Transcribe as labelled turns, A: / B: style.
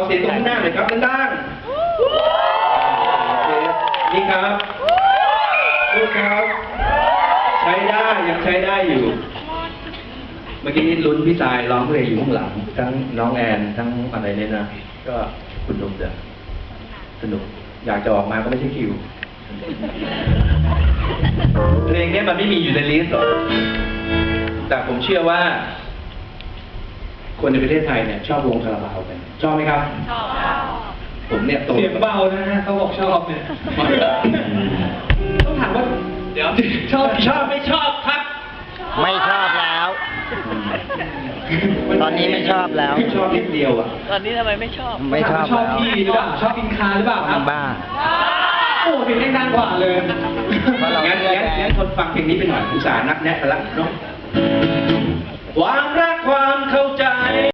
A: เสียงตรงข้างหน้าหน่อยครับดังๆนี่ครับลูกครับใช้ได้ยังใช้ได้อยู่ เมื่อกี้ลุ้นพี่สายร้องเพลงอยู่ข้างหลังทั้งน้องแอนทั้งอะไรเนี่ยนะก็คุณนุ่มจะสนุกอยากจะออกมาก็ไม่ใช่คิวเพลงนี้มันไม่มีอยู่ในลิสต์หรอกแต่ผมเชื่อว่าคนในประเทศไทยเนี่ยชอบวงคาราบาวกันชอบไหมครับชอบผมเนี่ยโต
B: เสียงเบานะฮะเขาบอกชอบเนี่ยต้องถามว่าเดี๋ยวชอบไม่ชอบครับ
C: ไม่ชอบแล้ว ตอนนี้ไม่ชอบแล้ว
A: ชอบนิดเดียวอ่ะ
D: ตอนนี้ทำไมไม่ชอบ
C: ไม่ชอบ
B: ชอบ
C: แล้ว
B: พี่หรือเปล่าชอบกินคาหรือเปล่าครับ
C: บ้า
B: โอ้เพลงดังกว่าเลย
A: งั้นทนฟังเพลงนี้ไปหน่อยอุตส่าห์นักแนะกันละเนาะวาง